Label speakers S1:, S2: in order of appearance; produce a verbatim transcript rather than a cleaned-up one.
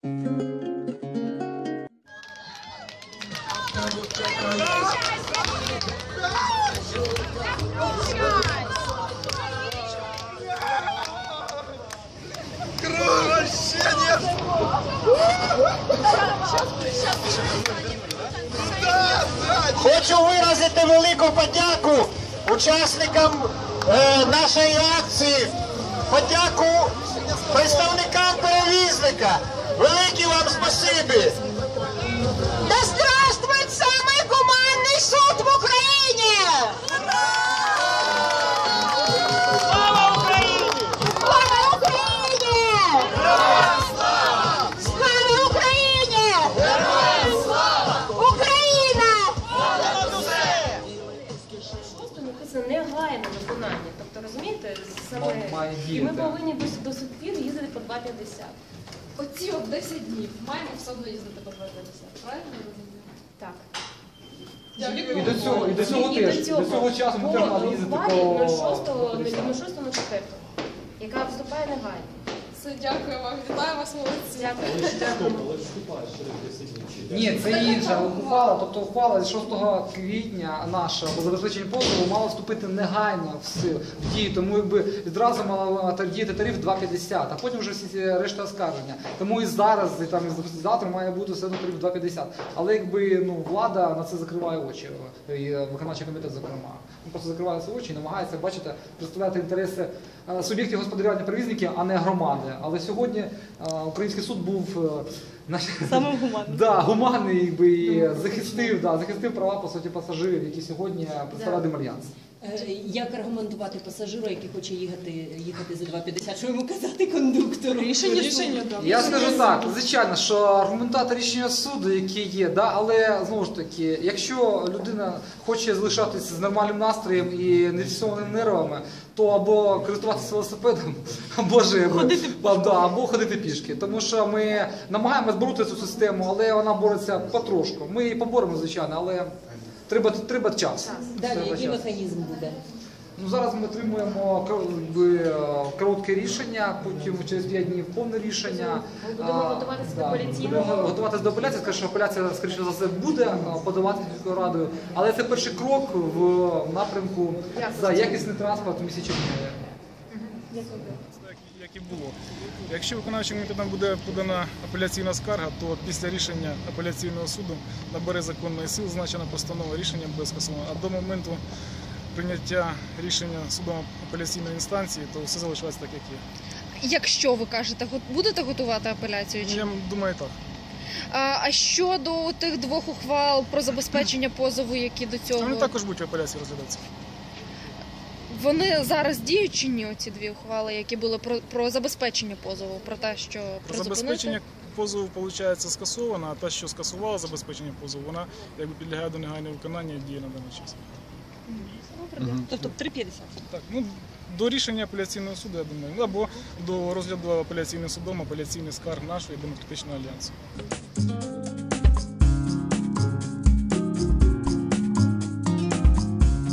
S1: Хочу виразити велику подяку учасникам е, нашої акції, подяку представникам перевізника. Велике вам спасибі!
S2: Да здравствует самый гуманный суд в Украине!
S1: Слава Україні!
S2: Слава Україні! Слава Україні! Україна!
S3: Просто написано негайне виконання. Тобто, розумієте, саме і ми повинні до, до сих пір їздити по два п'ятдесят.
S4: Оці от десять днів маємо все одно їздити по два п'ятдесят, правильно я розумію?
S3: Так.
S5: І до цього, і до цього теж, до цього часу ми теж мали їздити по...
S3: шостого на четвертого, яка вступає негайно.
S4: Все, дякую вам, вітаю вас, молодці.
S3: Дякую.
S5: Ні, це інша ухвала, тобто ухвала з шостого квітня наша по забезпеченню позову мала вступити негайно в силу, в дію, тому якби відразу мала діяти тариф два п'ятдесят, а потім вже всі решта оскарження. Тому і зараз, і там і завтра має бути все одно тариф два п'ятдесят. Але якби ну, влада на це закриває очі, і виконавчий комітет зокрема. Він просто закриває ці очі і намагається, бачите, представляти інтереси суб'єктів господарювання перевізників, а не громади. Але сьогодні а, український суд був
S6: самим гуманним.
S5: Да, гуманний, якби, і захистив, да, захистив права по суті пасажирів, які сьогодні представляють Демальянс.
S6: Як аргументувати пасажиру, який хоче їхати, їхати за два п'ятдесят? Що йому казати кондуктору? Рішення, Рішення суду.
S5: Я скажу так, звичайно, що аргументати рішення суду, які є, да, але знову ж таки, якщо людина хоче залишатися з нормальним настроєм і нефіксованими нервами, то або користуватися велосипедом, або ж ходити, да, або ходити пішки. Тому що ми намагаємося боротися цю систему, але вона бореться потрошку. Ми її поборемо, звичайно, але треба, треба час.
S6: Далі,
S5: Треба
S6: який
S5: час.
S6: механізм буде?
S5: Ну, зараз ми отримуємо якби, коротке рішення, потім через п'ять днів повне рішення.
S3: Ми будемо готуватися до апеляційного.
S5: Будемо готуватися до апеляції, скажу, що апеляція, скоріше за все, буде подаватися міською радою, але це перший крок в напрямку за якісний транспорт в місті Чернігові.
S7: Як і було. Якщо виконавчим комітетом буде подана апеляційна скарга, то після рішення апеляційного суду набере законної сили зазначена постанова, рішення буде скасовано. А до моменту прийняття рішення судом апеляційної інстанції, то все залишається так, як є.
S8: Якщо ви кажете, будете готувати апеляцію? Чи?
S7: Я думаю, так.
S8: А, а щодо тих двох ухвал про забезпечення позову, які до цього...
S7: Вони також будуть в апеляції розглядатися.
S8: Вони зараз діють чи ні, ці дві ухвали, які були про, про забезпечення позову, про те, що
S7: Про забезпечення позову, виходить, скасовано, а та, що скасувала забезпечення позову, вона якби підлягає до негайного виконання і діє на даний час.
S6: Угу. Тобто три п'ятдесят?
S7: Так, ну, до рішення апеляційного суду, я думаю, або до розгляду апеляційним судом апеляційних скарг нашої демократичного альянсу.